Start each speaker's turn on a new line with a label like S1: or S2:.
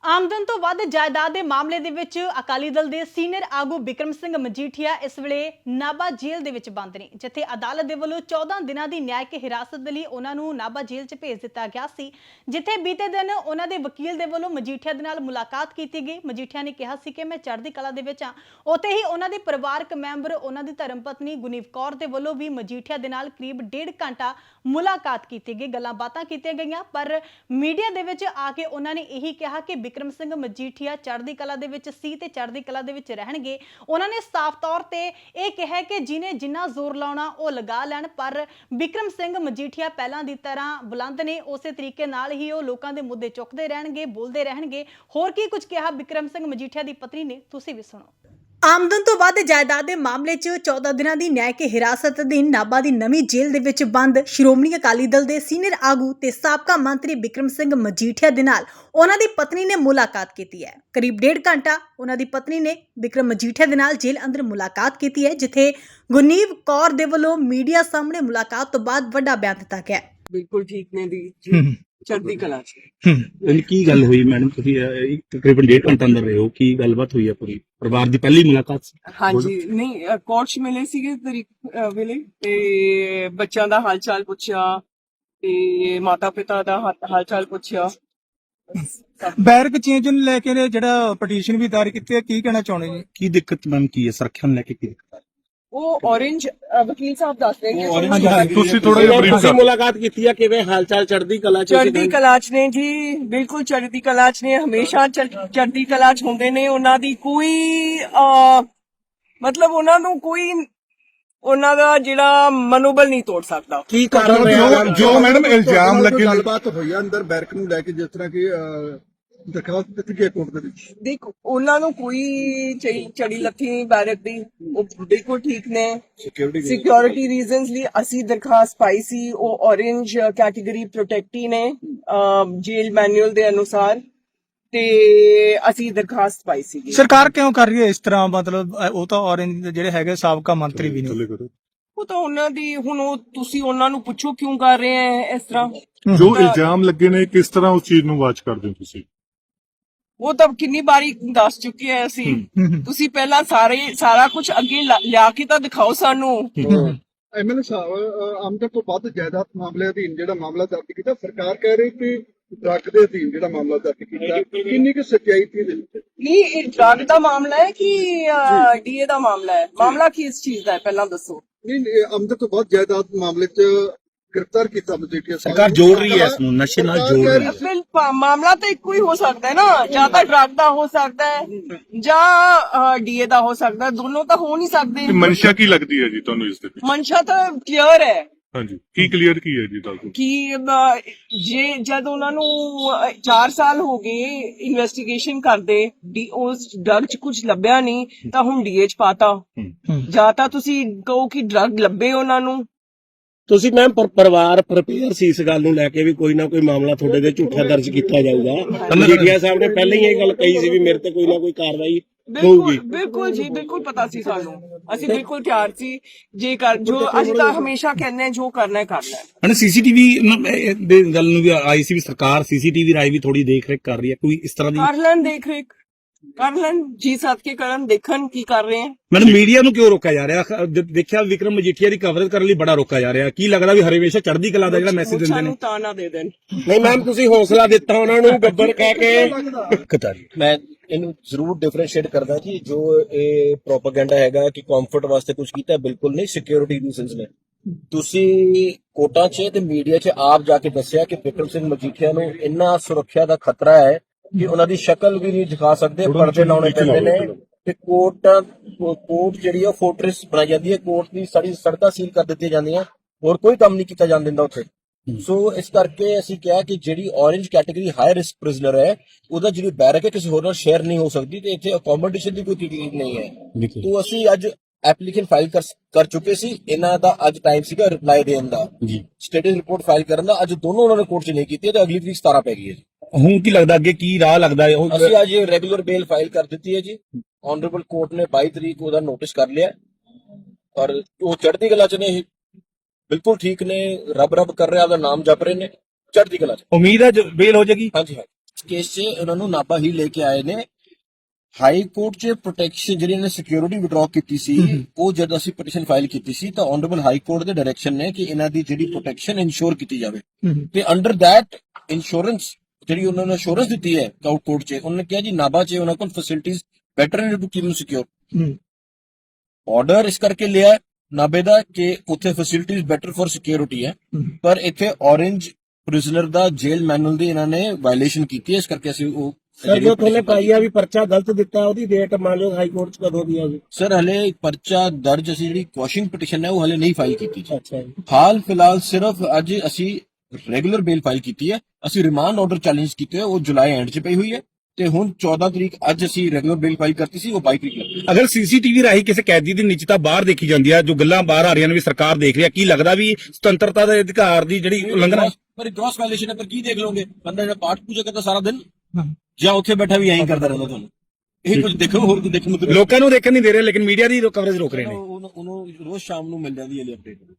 S1: ਆਮਦਨ ਤੋਂ ਵੱਧ ਜਾਇਦਾਦ ਦੇ ਮਾਮਲੇ ਦੇ ਵਿੱਚ ਅਕਾਲੀ ਦਲ ਦੇ ਸੀਨੀਅਰ ਆਗੂ ਬਿਕਰਮ ਸਿੰਘ ਮਜੀਠੀਆ ਇਸ ਵੇਲੇ ਨਾਭਾ ਜੇਲ੍ਹ ਦੇ ਵਿੱਚ ਬੰਦ ਨੇ, ਜਿੱਥੇ ਅਦਾਲਤ ਦੇ ਵੱਲੋਂ 14 ਦਿਨਾਂ ਦੀ ਨਿਆਇਕ ਹਿਰਾਸਤ ਦੇ ਲਈ ਉਹਨਾਂ ਨੂੰ ਨਾਭਾ ਜੇਲ੍ਹ 'ਚ ਭੇਜ ਦਿੱਤਾ ਗਿਆ ਸੀ, ਜਿੱਥੇ ਬੀਤੇ ਦਿਨ ਉਹਨਾਂ ਦੇ ਵਕੀਲ ਦੇ ਵੱਲੋਂ ਮਜੀਠੀਆ ਦੇ ਨਾਲ ਮੁਲਾਕਾਤ ਕੀਤੀ ਗਈ। ਮਜੀਠੀਆ ਨੇ ਕਿਹਾ ਸੀ ਕਿ ਮੈਂ ਚੜ੍ਹਦੀ ਕਲਾ ਦੇ ਵਿੱਚ ਹਾਂ। ਉੱਥੇ ਹੀ ਉਹਨਾਂ ਦੇ ਪਰਿਵਾਰਕ ਮੈਂਬਰ, ਉਹਨਾਂ ਦੀ ਧਰਮ ਪਤਨੀ ਗੁਨੀਵ ਕੌਰ ਦੇ ਵੱਲੋਂ ਵੀ ਮਜੀਠੀਆ ਦੇ ਨਾਲ ਕਰੀਬ 1.5 ਘੰਟਾ ਮੁਲਾਕਾਤ ਕੀਤੀ ਗਈ, ਗੱਲਾਂ ਬਾਤਾਂ ਕੀਤੀਆਂ ਗਈਆਂ। ਪਰ ਮੀਡੀਆ ਦੇ ਵਿੱਚ ਆ ਕੇ ਉਹਨਾਂ ਨੇ ਇਹੀ ਕਿਹਾ ਕਿ ਬਿਕਰਮ ਸਿੰਘ ਮਜੀਠੀਆ ਚੜ੍ਹਦੀ ਕਲਾ ਦੇ ਵਿੱਚ ਸੀ ਤੇ ਚੜ੍ਹਦੀ ਕਲਾ ਦੇ ਵਿੱਚ ਰਹਿਣਗੇ। ਉਹਨਾਂ ਨੇ ਸਾਫ਼ ਤੌਰ ਤੇ ਇਹ ਕਿਹਾ ਕਿ ਜਿਹਨੇ ਜਿੰਨਾ ਜ਼ੋਰ ਲਾਉਣਾ ਉਹ ਲਗਾ ਲੈਣ, ਪਰ ਬਿਕਰਮ ਸਿੰਘ ਮਜੀਠੀਆ ਪਹਿਲਾਂ ਦੀ ਤਰ੍ਹਾਂ ਬੁਲੰਦ ਨੇ, ਉਸੇ ਤਰੀਕੇ ਨਾਲ ਹੀ ਉਹ ਲੋਕਾਂ ਦੇ ਮੁੱਦੇ ਚੁੱਕਦੇ ਰਹਿਣਗੇ, ਬੋਲਦੇ ਰਹਿਣਗੇ। ਹੋਰ ਕੀ ਕੁਝ ਕਿਹਾ ਬਿਕਰਮ ਸਿੰਘ ਮਜੀਠੀਆ ਦੀ ਪਤਨੀ ਨੇ, ਤੁਸੀਂ ਵੀ ਸੁਣੋ। ਆਮਦਨ ਤੋਂ ਵੱਧ ਜਾਇਦਾਦ ਦੇ ਮਾਮਲੇ 'ਚ 14 ਦਿਨਾਂ ਦੀ ਨਿਆਇਕ ਹਿਰਾਸਤ ਅਧੀਨ ਨਾਭਾ ਦੀ ਨਵੀਂ ਜੇਲ੍ਹ ਦੇ ਵਿੱਚ ਬੰਦ ਸ਼੍ਰੋਮਣੀ ਅਕਾਲੀ ਦਲ ਦੇ ਸੀਨੀਅਰ ਆਗੂ ਤੇ ਸਾਬਕਾ ਮੰਤਰੀ ਬਿਕਰਮ ਸਿੰਘ ਮਜੀਠੀਆ ਦੇ ਨਾਲ ਉਹਨਾਂ ਦੀ ਪਤਨੀ ਨੇ ਮੁਲਾਕਾਤ ਕੀਤੀ ਹੈ। ਕਰੀਬ 1.5 ਘੰਟਾ ਉਹਨਾਂ ਦੀ ਪਤਨੀ ਨੇ ਬਿਕਰਮ ਮਜੀਠੀਆ ਦੇ ਨਾਲ ਜੇਲ੍ਹ ਅੰਦਰ ਮੁਲਾਕਾਤ ਕੀਤੀ ਹੈ, ਜਿੱਥੇ ਗੁਨੀਵ ਕੌਰ ਦੇ ਵੱਲੋਂ ਮੀਡੀਆ ਸਾਹਮਣੇ ਮੁਲਾਕਾਤ ਤੋਂ ਬਾਅਦ ਵੱਡਾ ਬਿਆਨ ਦਿੱਤਾ ਗਿਆ।
S2: ਬਿਲਕੁਲ ਠੀਕ ਨੇ ਦੀ ਚੜ੍ਹਦੀ ਕਲਾ ਚ।
S3: ਕੀ ਗੱਲ ਹੋਈ ਮੈਡਮ, ਤੁਸੀਂ ਤਕਰੀਬਨ 1.5 ਘੰਟਾ ਅੰਦਰ ਰਹੇ ਹੋ, ਕੀ ਗੱਲਬਾਤ ਹੋਈ ਹੈ? ਪੂਰੀ ਪਰਿਵਾਰ ਦੀ ਪਹਿਲੀ ਮੁਲਾਕਾਤ ਸੀ?
S2: ਹਾਂਜੀ, ਨਹੀਂ ਕੋਰਟ ਚ ਮਿਲੇ ਸੀਗੇ ਤਰੀਕ ਵੇਲੇ, ਤੇ ਬੱਚਿਆਂ ਦਾ ਹਾਲ ਚਾਲ ਪੁੱਛਿਆ ਤੇ ਮਾਤਾ ਪਿਤਾ ਦਾ ਹਾਲ ਚਾਲ ਪੁੱਛਿਆ।
S4: ਬੈਰਕ ਚੇਂਜ ਨੂੰ ਲੈ ਕੇ ਜਿਹੜਾ ਪਟੀਸ਼ਨ ਵੀ ਦਾਇਰ ਕੀਤੀ ਹੈ, ਕੀ ਕਹਿਣਾ ਚਾਹੁੰਦੇ ਜੀ?
S3: ਕੀ ਦਿੱਕਤ ਮੈਮ ਕੀ ਹੈ? ਸੁਰੱਖਿਆ ਨੂੰ ਲੈ ਕੇ ਕੀ ਦਿੱਕਤ ਹੈ?
S2: ਉਹ orange ਵਕੀਲ ਸਾਹਿਬ ਦੱਸ ਰਹੇ
S4: ਹਾਂਜੀ,
S3: ਤੁਸੀਂ ਥੋੜਾ ਜਿਹਾ ਬਰੀਫ ਕਰੋ। ਮੁਲਾਕਾਤ ਕੀਤੀ ਹੈ, ਕਿਵੇਂ ਹਾਲ ਚਾਲ? ਚੜ੍ਹਦੀ ਕਲਾ ਚ?
S2: ਚੜ੍ਹਦੀ ਕਲਾ ਚ ਨੇ ਜੀ, ਬਿਲਕੁਲ ਚੜ੍ਹਦੀ ਕਲਾ ਚ ਨੇ, ਹਮੇਸ਼ਾ ਚੜ੍ਹਦੀ ਕਲਾ ਚ ਹੁੰਦੇ ਨੇ। ਉਹਨਾਂ ਦੀ ਕੋਈ ਮਤਲਬ ਉਹਨਾਂ ਨੂੰ ਕੋਈ ਉਹਨਾਂ ਦਾ ਜਿਹੜਾ ਮਨੋਬਲ ਨਹੀਂ ਤੋੜ ਸਕਦਾ।
S3: ਕੀ ਕਾਰਨ ਰਿਹਾ
S5: ਜੋ ਮੈਡਮ ਇਲਜ਼ਾਮ ਲੱਗੇ? ਗੱਲਬਾਤ ਹੋਈ ਆ ਅੰਦਰ ਬੈਰਕ ਨੂੰ ਲੈ ਕੇ, ਜਿਸ ਤਰ੍ਹਾਂ ਕਿ ਦਰਖਾਸਤ ਦਿੱਤੀ ਗਈ ਕੋਰਟ ਦੇ ਵਿੱਚ।
S2: ਦੇਖ, ਉਹਨਾਂ ਨੂੰ ਕੋਈ ਚੜੀ ਲੱਥੀ ਨਹੀਂ ਬੈਰਕ ਦੀ, ਉਹ ਬਿਲਕੁਲ ਠੀਕ ਨੇ। ਸਿਕਿਉਰਿਟੀ ਰੀਜ਼ਨਸ ਲਈ ਅਸੀਂ ਦਰਖਾਸਤ ਪਾਈ ਸੀ, ਉਹ orange ਕੈਟੇਗਰੀ ਪ੍ਰੋਟੈਕਟੀ ਨੇ ਜੇਲ ਮੈਨੂਅਲ ਦੇ ਅਨੁਸਾਰ, ਤੇ ਅਸੀਂ ਦਰਖਾਸਤ ਪਾਈ ਸੀ।
S4: ਸਰਕਾਰ ਕਿਉਂ ਕਰ ਰਹੀ ਹੈ ਇਸ ਤਰ੍ਹਾਂ? ਮਤਲਬ ਉਹ ਤਾਂ orange ਜਿਹੜੇ ਹੈਗੇ ਸਾਬਕਾ ਮੰਤਰੀ ਵੀ ਨੇ।
S2: ਉਹ ਤਾਂ ਉਹਨਾਂ ਦੀ, ਹੁਣ ਉਹ ਤੁਸੀਂ ਉਹਨਾਂ ਨੂੰ ਪੁੱਛੋ ਕਿਉਂ ਕਰ ਰਹੇ ਹੈ ਇਸ ਤਰ੍ਹਾਂ।
S5: ਜੋ ਇਲਜ਼ਾਮ ਲੱਗੇ ਨੇ, ਕਿਸ ਤਰ੍ਹਾਂ ਉਸ ਚੀਜ਼ ਨੂੰ ਵਾਚ ਕਰਦੇ ਹੋ ਤੁਸੀਂ?
S2: ਉਹ ਤਾਂ ਕਿੰਨੀ ਵਾਰੀ ਦੱਸ ਚੁੱਕੇ ਆ ਅਸੀਂ। ਤੁਸੀਂ ਪਹਿਲਾਂ ਸਾਰਾ ਕੁਝ ਅੱਗੇ ਲਿਆ ਕੇ ਤਾਂ ਦਿਖਾਓ ਸਾਨੂੰ।
S5: ਐਮਐਲਏ ਸਾਹਿਬ, ਆਮਦਨ ਤੋਂ ਵੱਧ ਜਾਇਦਾਦ ਮਾਮਲੇ ਅਧੀਨ ਜਿਹੜਾ ਮਾਮਲਾ ਦਰਜ ਕੀਤਾ, ਸਰਕਾਰ ਕਹਿ ਰਹੀ ਕਿ ਡਰੱਗ ਦੇ ਅਧੀਨ ਜਿਹੜਾ ਮਾਮਲਾ ਦਰਜ ਕੀਤਾ, ਕਿੰਨੀ ਕੁ ਸੱਚਾਈ ਸੀ ਇਹਦੇ ਵਿੱਚ?
S2: ਨਹੀਂ, ਇਹ ਡਰੱਗ ਦਾ ਮਾਮਲਾ ਹੈ ਕਿ ਡੀਏ ਦਾ ਮਾਮਲਾ ਹੈ? ਮਾਮਲਾ ਕਿਸ ਚੀਜ਼ ਦਾ ਹੈ ਪਹਿਲਾਂ ਦੱਸੋ।
S5: ਨਹੀਂ, ਆਮਦਨ ਤੋਂ ਵੱਧ ਜਾਇਦਾਦ ਮਾਮਲੇ 'ਚ ਗ੍ਰਿਫਤਾਰ ਕੀਤਾ ਮਜੀਠੀਆ ਸਾਹਿਬ।
S3: ਸਰਕਾਰ ਜੋੜ ਰਹੀ ਹੈ ਇਸ ਨੂੰ, ਨਸ਼ੇ ਨਾਲ ਜੋੜ ਰਹੀ ਹੈ।
S2: ਮਾਮਲਾ ਤਾਂ ਇੱਕੋ ਹੀ ਹੋ ਸਕਦਾ ਹੈ ਨਾ, ਜਾਂ ਤਾਂ ਡਰੱਗ ਦਾ ਹੋ ਸਕਦਾ ਹੈ ਜਾਂ ਡੀਏ ਦਾ ਹੋ ਸਕਦਾ ਹੈ, ਦੋਨੋਂ ਤਾਂ ਹੋ ਨਹੀਂ ਸਕਦੇ।
S6: ਮਨਸ਼ਾ ਕੀ ਲੱਗਦੀ ਹੈ ਜੀ ਤੁਹਾਨੂੰ ਇਸ ਦੇ ਵਿੱਚ?
S2: ਮਨਸ਼ਾ ਤਾਂ ਕਲੀਅਰ ਹੈ।
S6: ਹਾਂਜੀ, ਕੀ ਕਲੀਅਰ ਕੀ ਹੈ ਜੀ ਦੱਸੋ?
S2: ਕਿ ਜਦ ਉਹਨਾਂ ਨੂੰ 4 ਸਾਲ ਹੋ ਗਏ ਇਨਵੈਸਟੀਗੇਸ਼ਨ ਕਰਦੇ, ਉਸ ਡਰਗ ਚ ਕੁਝ ਲੱਭਿਆ ਨਹੀਂ, ਤਾਂ ਹੁਣ ਡੀਏ ਚ ਪਾਤਾ। ਜਾਂ ਤਾਂ ਤੁਸੀਂ ਕਹੋ ਕਿ ਡਰਗ ਲੱਭੇ ਉਹਨਾਂ ਨੂੰ।
S3: ਤੁਸੀਂ ਮੈਮ ਪਰਿਵਾਰ ਪ੍ਰਪੇਅਰ ਸੀ ਇਸ ਗੱਲ ਨੂੰ ਲੈ ਕੇ ਵੀ ਕੋਈ ਨਾ ਕੋਈ ਮਾਮਲਾ ਤੁਹਾਡੇ ਤੇ ਝੂਠਾ ਦਰਜ ਕੀਤਾ ਜਾਊਗਾ? ਮਜੀਠੀਆ ਸਾਹਿਬ ਨੇ ਪਹਿਲਾਂ ਹੀ ਇਹ ਗੱਲ ਕਹੀ ਸੀ ਵੀ ਮੇਰੇ ਤੇ ਕੋਈ ਨਾ ਕੋਈ ਕਾਰਵਾਈ ਹੋਊਗੀ।
S2: ਬਿਲਕੁਲ ਜੀ, ਬਿਲਕੁਲ ਪਤਾ ਸੀ ਸਾਨੂੰ, ਅਸੀਂ ਬਿਲਕੁਲ ਤਿਆਰ ਸੀ। ਜੋ ਅਸੀਂ ਤਾਂ ਹਮੇਸ਼ਾ ਕਹਿੰਦੇ ਹਾਂ, ਜੋ ਕਰਨਾ ਹੈ ਕਰਨਾ ਹੈ।
S3: ਸੀਸੀਟੀਵੀ ਦੇ ਗੱਲ ਨੂੰ ਵੀ ਆਈ ਸੀ ਵੀ ਸਰਕਾਰ ਸੀਸੀਟੀਵੀ ਰਾਈ ਵੀ ਥੋੜੀ ਦੇਖ ਰੇਖ ਕਰ ਰਹੀ ਹੈ, ਕੋਈ ਇਸ ਤਰ੍ਹਾਂ ਦੀ?
S2: ਕਰ ਲੈਣ ਦੇਖ ਰੇਖ, ਕਰ ਲੈਣ ਜੀ ਸਾਥ ਕੇ ਕਰਨ, ਦੇਖਣ ਕੀ ਕਰ ਰਹੇ ਹੈ।
S3: ਮੈਨੂੰ ਮੀਡੀਆ ਨੂੰ ਕਿਉਂ ਰੋਕਿਆ ਜਾ ਰਿਹਾ? ਦੇਖਿਆ ਵਿਕਰਮ ਮਜੀਠੀਆ ਦੀ ਕਵਰੇਜ ਕਰਨ ਲਈ ਬੜਾ ਰੋਕਿਆ ਜਾ ਰਿਹਾ। ਕੀ ਲੱਗਦਾ ਵੀ ਹਰੇਵੇਸ਼ਾ ਚੜ੍ਹਦੀ ਕਲਾ ਦਾ ਜਿਹੜਾ ਮੈਸੇਜ ਦਿੰਦੇ ਨੇ?
S2: ਤਾਂ ਨਾ ਦੇ ਦੇਣ।
S3: ਨਹੀਂ ਮੈਮ, ਤੁਸੀਂ ਹੌਸਲਾ ਦਿੱਤਾ ਉਹਨਾਂ ਨੂੰ ਗੱਬਰ ਕਹਿ ਕੇ।
S7: ਮੈਂ ਇਹਨੂੰ ਜ਼ਰੂਰ ਡਿਫਰੈਂਸ਼ੀਏਟ ਕਰਦਾ ਕਿ ਜੋ ਇਹ ਪ੍ਰੋਪਾਗੈਂਡਾ ਹੈਗਾ ਕਿ ਕੰਫਰਟ ਵਾਸਤੇ ਕੁਝ ਕੀਤਾ, ਬਿਲਕੁਲ ਨਹੀਂ। ਸਿਕਿਉਰਿਟੀ ਰੀਜ਼ਨਸ ਨੇ। ਤੁਸੀਂ ਕੋਰਟਾਂ 'ਚ ਤੇ ਮੀਡੀਆ 'ਚ ਆਪ ਜਾ ਕੇ ਦੱਸਿਆ ਕਿ ਬਿਕਰਮ ਸਿੰਘ ਮਜੀਠੀਆ ਨੂੰ ਇੰਨਾ ਸੁਰੱਖਿਆ ਦਾ ਖਤਰਾ ਹੈ ਕਿ ਉਹਨਾਂ ਦੀ ਸ਼ਕਲ ਵੀ ਨਹੀਂ ਦਿਖਾ ਸਕਦੇ, ਪਰਦੇ ਲਾਉਣੇ ਪੈਂਦੇ ਨੇ। ਤੇ ਕੋਰਟ ਜਿਹੜੀ ਆ ਫੋਰਟ੍ਰੈਸ ਬਣਾਈ ਜਾਂਦੀ ਹੈ, ਕੋਰਟ ਦੀ ਸਾਰੀ ਸੜਕਾਂ ਸੀਲ ਕਰ ਦਿੱਤੀਆਂ ਜਾਂਦੀਆਂ, ਹੋਰ ਕੋਈ ਕੰਮ ਨਹੀਂ ਕੀਤਾ ਜਾਣ ਦਿੰਦਾ ਉੱਥੇ। ਸੋ ਇਸ ਕਰਕੇ ਅਸੀਂ ਕਿਹਾ ਕਿ ਜਿਹੜੀ orange category high risk prisoner ਹੈ, ਉਹਦਾ ਜਿਹੜੀ ਬੈਰਕ ਹੈ ਕਿਸੇ ਹੋਰ ਨਾਲ ਸ਼ੇਅਰ ਨਹੀਂ ਹੋ ਸਕਦੀ, ਤੇ ਇੱਥੇ ਅਕੋਮੋਡੇਸ਼ਨ ਦੀ ਕੋਈ ਤਕਲੀਫ ਨਹੀਂ ਹੈ। तो ਅਸੀਂ ਅੱਜ ਐਪਲੀਕੇਸ਼ਨ ਫਾਈਲ ਕਰ ਚੁੱਕੇ ਸੀ। ਇਹਨਾਂ ਦਾ ਅੱਜ ਟਾਈਮ ਸੀਗਾ ਰਿਪਲਾਈ ਦੇਣ ਦਾ, ਸਟੇਟਸ ਰਿਪੋਰਟ ਫਾਈਲ ਕਰਨ ਦਾ। ਅੱਜ ਦੋਨੋਂ ਉਹਨਾਂ ਨੇ ਕੋਰਟ 'ਚ ਨਹੀਂ ਕੀਤੀ ਤੇ ਅਗਲੀ ਤਰੀਕ 17 ਪੈ ਗਈ ਹੈ।
S3: ਹੁਣ ਕੀ ਲੱਗਦਾ ਅੱਗੇ ਕੀ ਰਾਹ ਲੱਗਦਾ ਹੈ?
S7: ਅਸੀਂ ਅੱਜ ਰੈਗੂਲਰ ਬੇਲ ਫਾਈਲ ਕਰ ਦਿੱਤੀ ਹੈ ਜੀ। ਆਨਰੇਬਲ ਕੋਰਟ ਨੇ 22 ਤਰੀਕ ਉਹਦਾ ਨੋਟਿਸ ਕਰ ਲਿਆ, ਔਰ ਉਹ ਚੜ੍ਹਦੀ ਕਲਾ 'ਚ ਨੇ, ਬਿਲਕੁਲ ਠੀਕ ਨੇ, ਰੱਬ ਕਰ ਰਿਹਾ, ਉਹਦਾ ਨਾਮ ਜਪ ਰਹੇ ਨੇ, ਚੜ੍ਹਦੀ ਕਲਾ 'ਚ।
S3: ਉਮੀਦ ਹੈ ਬੇਲ ਹੋ ਜਾਏਗੀ?
S7: ਹਾਂਜੀ। ਕੇਸ 'ਚ ਉਹਨਾਂ ਨੂੰ ਨਾਭਾ ਹੀ ਲੈ ਕੇ ਆਏ ਨੇ। ਹਾਈ ਕੋਰਟ 'ਚ ਪ੍ਰੋਟੈਕਸ਼ਨ ਜਿਹੜੀ ਇਹਨੇ ਸਿਕਿਉਰਿਟੀ ਵਿਡਰਾਅ ਕੀਤੀ ਸੀ, ਉਹ ਜਦ ਅਸੀਂ ਪਟੀਸ਼ਨ ਫਾਈਲ ਕੀਤੀ ਸੀ ਤਾਂ ਆਨਰੇਬਲ ਹਾਈ ਕੋਰਟ ਦੇ ਡਾਇਰੈਕਸ਼ਨ ਨੇ ਕਿ ਇਹਨਾਂ ਦੀ ਜਿਹੜੀ ਪ੍ਰੋਟੈਕਸ਼ਨ ਇਨਸ਼ੋਰ ਕੀਤੀ ਜਾਵੇ ਤੇ ਅੰਡਰ ਦੈਟ ਇੰਸ਼ੋਰੈਂਸ ਜਿਹੜੀ ਉਹਨਾਂ ਨੇ ਅਸ਼ੋਰੈਂਸ ਦਿੱਤੀ ਹੈ ਕੋਰਟ 'ਚ, ਉਹਨਾਂ ਨੇ ਕਿਹਾ ਜੀ ਨਾਭਾ 'ਚ ਉਹਨਾਂ ਕੋਲ ਫੈਸਿਲਿਟੀਜ਼ ਬੈਟਰ ਨੇ ਟੂ ਕੀਪ ਨੂੰ ਸਿਕਿਉਰ। ਆਰਡਰ ਇਸ ਕਰਕੇ ਲਿਆ ਨਾਭੇ ਦਾ ਕਿ ਉੱਥੇ ਫੈਸਿਲਿਟੀਜ਼ ਬੈਟਰ ਫॉर ਸਿਕਿਉਰਿਟੀ ਹੈ, ਪਰ ਇੱਥੇ ਔਰੇਂਜ ਪ੍ਰਿਜ਼ਨਰ ਦਾ ਜੇਲ ਮੈਨੂਅਲ ਦੀ ਇਹਨਾਂ ਨੇ ਵਾਇਲੇਸ਼ਨ ਕੀਤੀ ਹੈ, ਇਸ ਕਰਕੇ ਅਸੀਂ ਉਹ
S3: ਸਰ ਜੋ ਤੁਹਾਨੂੰ ਪਾਈ ਆ ਵੀ ਪਰਚਾ ਗਲਤ ਦਿੱਤਾ, ਉਹਦੀ ਡੇਟ ਮੰਨ ਲਓ ਹਾਈ ਕੋਰਟ 'ਚ ਕਦੋਂ ਦੀ ਆ ਜੀ?
S7: ਸਰ ਹਲੇ ਪਰਚਾ ਦਰਜ ਅਸੀਂ ਜਿਹੜੀ ਕੁਐਸ਼ਿੰਗ ਪਟੀਸ਼ਨ ਹੈ ਉਹ ਹਲੇ ਨਹੀਂ ਫਾਈਲ ਕੀਤੀ ਜੀ।
S3: ਅੱਛਾ ਜੀ।
S7: ਹਾਲ ਫਿਲਹਾਲ ਸਿਰਫ ਅੱਜ ਅਸੀਂ ਰੈਗੂਲਰ ਬੇਲ ਫਾਈਲ ਕੀਤੀ ਹੈ, ਅਸੀਂ ਰਿਮਾਂਡ ਆਰਡਰ ਚੈਲੰਜ ਕੀਤੇ ਹੋਏ, ਉਹ ਜੁਲਾਈ ਐਂਡ 'ਚ ਪਈ ਹੋਈ ਹੈ ਤੇ ਹੁਣ 14 ਤਰੀਕ ਅੱਜ ਅਸੀਂ ਰੈਗੂਲਰ ਬੇਲ ਫਾਈਲ ਕਰਤੀ ਸੀ, ਉਹ 22 ਤਰੀਕ ਲੱਗੀ।
S8: ਅਗਰ ਸੀਸੀਟੀਵੀ ਰਾਹੀਂ ਕਿਸੇ ਕੈਦੀ ਦੀ ਨਿੱਜਤਾ ਬਾਹਰ ਦੇਖੀ ਜਾਂਦੀ ਹੈ, ਜੋ ਗੱਲਾਂ ਬਾਹਰ ਆ ਰਹੀਆਂ ਨੇ ਵੀ ਸਰਕਾਰ ਦੇਖ ਰਹੀ ਹੈ, ਕੀ ਲੱਗਦਾ ਵੀ ਸੁਤੰਤਰਤਾ ਦੇ ਅਧਿਕਾਰ ਦੀ ਜਿਹੜੀ ਉਲੰਘਣਾ?
S7: ਪਰ ਗ੍ਰੋਸ ਵਾਇਲੇਸ਼ਨ ਹੈ, ਪਰ ਕੀ ਦੇਖ ਲਓਗੇ? ਬੰਦਾ ਜਿਹੜਾ ਪਾਠ ਪੂਜਾ ਕਰਦਾ ਸਾਰਾ ਦਿਨ ਜਾਂ ਉੱਥੇ ਬੈਠਾ ਵੀ ਐਂ ਕਰਦਾ ਰਹਿੰਦਾ, ਤੁਹਾਨੂੰ ਇਹ ਕੁਝ ਦੇਖੋ ਹੋਰ ਕੁਝ ਦੇਖਣ ਨੂੰ
S8: ਲੋਕਾਂ ਨੂੰ ਦੇਖਣ ਨਹੀਂ ਦੇ ਰਹੇ, ਲੇਕਿਨ ਮੀਡੀਆ ਦੀ ਕਵਰੇਜ ਰੋਕ ਰਹੇ ਨੇ।
S7: ਉਹਨੂੰ ਰੋਜ਼ ਸ਼ਾਮ ਨੂੰ ਮਿਲ ਜਾਂਦੀ ਹੈ ਅਪਡੇਟ।